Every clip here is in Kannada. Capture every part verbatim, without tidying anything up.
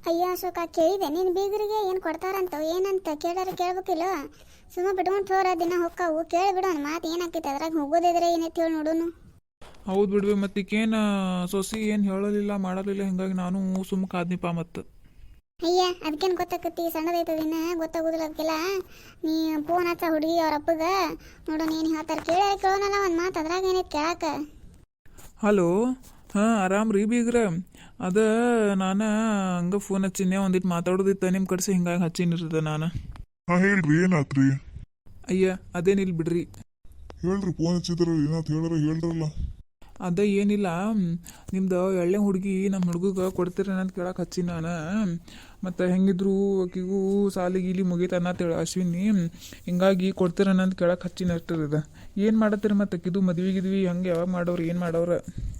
ಅಯ್ಯೋ ಅಶೋಕ ಕೇಳಿದೆ ನೀನು ಬೀಗರಿಗೆ ಏನು ಕೊಡ್ತಾರಂತ ಏನಂತ ಕೇಳಾರ ಕೇಳ್ಬೇಕಿಲ್ಲ. ಸುಮ್ಮ ಬಿಟ್ಕೊಂಡು ಹೋರ ದಿನ ಹೊಕ್ಕಾವು ಕೇಳಿ ಬಿಡೋಣ ಮಾತು ಏನಾಕೈತೆ ಅದ್ರಾಗ ಹೋಗೋದಿದ್ರೆ ಏನೈತಿ ಹೇಳಿ ನೋಡೋನು. ಹೌದು ಬಿಡ್ವಿ ಮತ್ತೆ ಈಗೇನು ಸೊಸಿ ಏನು ಹೇಳಲಿಲ್ಲ ಮಾಡಲಿಲ್ಲ ಹಿಂಗಾಗಿ ನಾನು ಸುಮ್ಮ ಕಾದ್ನಿಪ್ಪ ಮತ್ತು. ಅಯ್ಯ ಅದಕ್ಕೇನು ಗೊತ್ತಾಕತಿ ಸಣ್ಣದೈತದ ಇನ್ನ ಗೊತ್ತಾಗೋದಿಲ್ಲ ಅದಕ್ಕೆಲ್ಲ. ನೀ ಫೋನ್ ಹಚ್ಚ ಹುಡುಗಿ ಅವ್ರ ಅಪ್ಪಗೆ ನೋಡೋಣ ಏನು ಹೇಳ್ತಾರೆ ಕೇಳ್ಯಾರ ಕೇಳೋನಲ್ಲ ಒಂದು ಮಾತು ಅದ್ರಾಗ ಏನೈತಿ ಕೇಳಾಕ. ಹಲೋ, ಹಾಂ ಆರಾಮ್ ರೀ ಬೀಗ್ರ. ಅದ ನಾನು ಹಂಗೆ ಫೋನ್ ಹಚ್ಚಿನೇ ಒಂದಿಟ್ಟು ಮಾತಾಡೋದಿತ್ತು ನಿಮ್ಮ ಕಡೆಸಿ ಹಿಂಗಾಗಿ ಹಚ್ಚಿನಿರ್ತದೆ ನಾನು. ಹಾಂ ಹೇಳ್ರಿ ಏನಾತ್ರಿ? ಅಯ್ಯ ಅದೇನಿಲ್ಲ ಬಿಡ್ರಿ. ಹೇಳ್ರಿ ಫೋನ್ ಹಚ್ಚಿದ್ರ ಏನಾತ್ ಹೇಳ್ರ ಹೇಳ್ರಲ್ಲ. ಅದ ಏನಿಲ್ಲ, ನಿಮ್ದು ಎಳ್ಳೆ ಹುಡುಗಿ ನಮ್ಮ ಹುಡುಗಗೆ ಕೊಡ್ತೀರೇನಂತ ಕೇಳಕ್ಕೆ ಹಚ್ಚಿ ನಾನು. ಮತ್ತು ಹೆಂಗಿದ್ರು ಆಕಿಗೂ ಸಾಲಿ ಗೀಲಿ ಮುಗೀತನ್ನ ತಿಳಿ ಅಶ್ವಿನಿ, ಹಿಂಗಾಗಿ ಕೊಡ್ತೀರೇನಂತ ಕೇಳಕ್ಕೆ ಹಚ್ಚಿನ ಅಷ್ಟದ. ಏನು ಮಾಡತ್ತೀರಿ ಮತ್ತು ಆಕಿದು ಮದ್ವೆ ಗಿದ್ವಿ ಹಂಗೆ ಯಾವಾಗ ಮಾಡೋರು ಏನು ಮಾಡೋರು?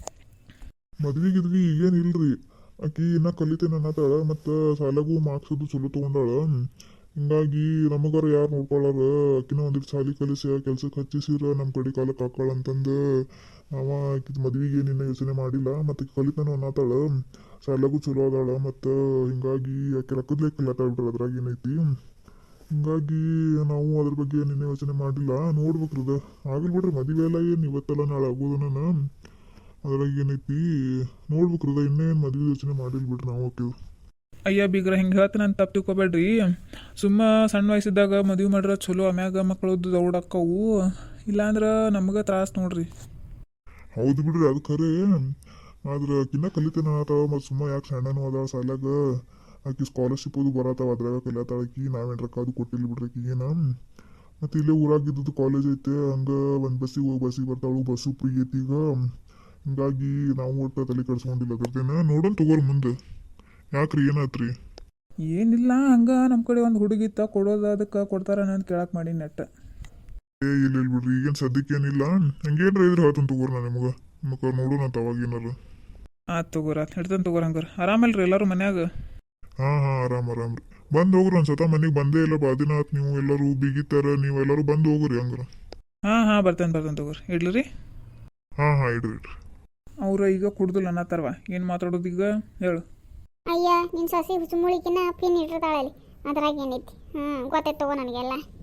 ಮದ್ವಿ ಗಿದ್ವಿ ಈಗೇನು ಇಲ್ರಿ. ಆಕಿ ಇನ್ನ ಕಲಿತೇನೆ ಅನ್ನತಾಳ ಮತ್ತು ಸಾಲಾಗೂ ಮಾರ್ಕ್ಸ್ ಅದು ಚಲೋ ತೊಗೊಂಡಾಳ. ಹಿಂಗಾಗಿ ನಮಗಾರ ಯಾರು ನೋಡ್ಕೊಳ್ಳಾರ, ಆಕಿನ ಒಂದಿಟ್ಟು ಸಾಲಿ ಕಲಿಸಿ ಕೆಲ್ಸಕ್ಕೆ ಹಚ್ಚಿಸಿರ ನಮ್ಮ ಕಡೆ ಕಾಲಕ್ಕೆ ಹಾಕಾಳ ಅಂತಂದು ಅವ ಆಕಿದ ಮದ್ವಿಗೆ ನಿನ್ನ ಯೋಚನೆ ಮಾಡಿಲ್ಲ. ಮತ್ತು ಕಲಿತಾನು ಅನ್ನತಾಳ, ಸಾಲಾಗೂ ಚಲೋ ಅದಾಳ ಮತ್ತು ಹಿಂಗಾಗಿ ಆಕೆ ರೊಕ್ಕದ್ಲೇ ಕಲಿತಾಳ ಬಿಡ್ರಿ, ಅದ್ರಾಗ ಏನೈತಿ. ಹಿಂಗಾಗಿ ನಾವು ಅದ್ರ ಬಗ್ಗೆ ನಿನ್ನೆ ಯೋಚನೆ ಮಾಡಿಲ್ಲ, ನೋಡ್ಬೇಕ್ರಿ ಅದ ಆಗಲ್ ಬಿಡ್ರಿ. ಮದುವೆ ಎಲ್ಲ ಏನು ಇವತ್ತೆಲ್ಲ ನಾಳೆ ಆಗೋದನ, ಅದ್ರಾಗ ಏನೈತಿ ನೋಡ್ಬೇಕ್ರಿ ಅದ. ಇನ್ನೇನು ಮದುವೆ ಯೋಚನೆ ಮಾಡಿಲ್ಲ ಬಿಡ್ರಿ ನಾವು ಆಕಿದು. ಅಯ್ಯ ಬೀಗ್ರ ಹಿಂಗೆ ಹೇಳ್ತೀನಿ ಅಂತ ತಪ್ಪು ತಿಳ್ಕೊಬೇಡ್ರಿ. ಸುಮ್ಮ ಸಣ್ಣ ವಯಸ್ಸಿದ್ದಾಗ ಮದುವೆ ಮಾಡ್ರೆ ಚಲೋ, ಆಮ್ಯಾಗ ಮಕ್ಕಳದ್ದು ದೌಡಕ್ಕವು, ಇಲ್ಲಾಂದ್ರೆ ನಮ್ಗೆ ತ್ರಾಸ ನೋಡ್ರಿ. ಹೌದು ಬಿಡ್ರಿ ಅದು ಖರೆ. ಆದ್ರೆ ಆಕಿನ್ನ ಕಲಿತೇನೆ ಅನ್ನತಾವ ಮತ್ತು ಸುಮ್ಮ ಯಾಕೆ ಸಣ್ಣನೂ ಅದಾಳ ಸಾಲಾಗ. ಆಕಿ ಸ್ಕಾಲರ್ಶಿಪ್ ಅದು ಬರತ್ತಾವ ಅದ್ರಾಗ ಕಲಿಯತ್ತಾಳ ಆಕಿ. ನಾವೇನು ರೊಕ್ಕ ಅದು ಕೊಟ್ಟಿಲ್ಲ ಬಿಡ್ರಿ ಆಕಿಗೇನ. ಮತ್ತು ಇಲ್ಲೇ ಊರಾಗಿದ್ದು ಕಾಲೇಜ್ ಐತೆ, ಹಂಗೆ ಒಂದು ಬಸ್ಸಿಗೆ ಹೋಗಿ ಬಸ್ಸಿಗೆ ಬರ್ತಾಳು, ಬಸ್ಸು ಫ್ರೀ ಐತಿ ಈಗ. ಹಿಂಗಾಗಿ ನಾವು ಒಟ್ಟು ತಲೆ ಕೆಡ್ಸ್ಕೊಂಡಿಲ್ಲ ಅದ್ರದ್ದೇನ. ನೋಡೋಣ ತಗೋರಿ ಮುಂದೆ. ಯಾಕ್ರಿ ಏನಾತ್ರಿ? ಏನಿಲ್ಲ, ಹಂಗೆ ನಮ್ಮ ಕಡೆ ಒಂದು ಹುಡುಗಿತ್ತ ಕೊಡೋದು, ಅದಕ್ಕೆ ಕೊಡ್ತಾರೇನ ಅಂತ ಕೇಳಕ್ಕೆ ಮಾಡಿ ನೆಟ್ಟ. ಏ ಇಲ್ಲ ಇಲ್ಲ ಬಿಡ್ರಿ, ಈಗೇನು ಸದ್ಯಕ್ಕೆ ಏನಿಲ್ಲ. ಹಂಗೇನ್ರ ಇದ್ರೆ ಹೇಳ್ತಾನೆ ತಗೋರಿ ನಾನು ನಿಮ್ಗೆ. ನಿಮಗೆ ನೋಡೋಣ ಅಂತ ಅವಾಗ ಏನಾರ. ಆಯ್ತು ತಗೋರ, ಹಿಡ್ತಾನೆ ತಗೋರ. ಹಂಗಾರೆ ಆರಾಮಲ್ರಿ ಎಲ್ಲರೂ ಮನ್ಯಾಗ? ಹಾಂ ಹಾಂ ಆರಾಮ್ ಆರಾಮ್ ರೀ. ಬಂದು ಹೋಗ್ರಿ ಒಂದು ಸತ ಮನೆಗೆ ಬಂದೇ ಇಲ್ಲ ಬಾದಿನ ಆತು. ನೀವು ಎಲ್ಲರೂ ಬೀಗಿತ್ತಾರ, ನೀವು ಎಲ್ಲರೂ ಬಂದು ಹೋಗ್ರಿ ಹಂಗಾರ. ಹಾಂ ಹಾಂ ಬರ್ತೇನೆ ಬರ್ತೇನೆ ತಗೋರಿ. ಇಡ್ಲಿ ರೀ. ಹಾಂ ಹಾಂ ಇಡ್ರಿ ಇಡ್ರಿ. ಅವ್ರು ಈಗ ಕುಡ್ದಿಲ್ಲ ಅನ್ನತ್ತಾರವ, ಏನು ಮಾತಾಡೋದು ಈಗ ಹೇಳು? ಅಯ್ಯ ನಿನ್ನ ಸಸಿ ಹುಚ್ಚುಮುಳಿಕಿನ್ನ ಪಿನ್ ಇಟ್ಟಿರ್ತಾಳಲ್ಲಿ, ಅದ್ರಾಗ ಏನೈತಿ. ಹ್ಞೂ ಗೊತ್ತೈತೆ ತಗೋ ನನಗೆಲ್ಲ.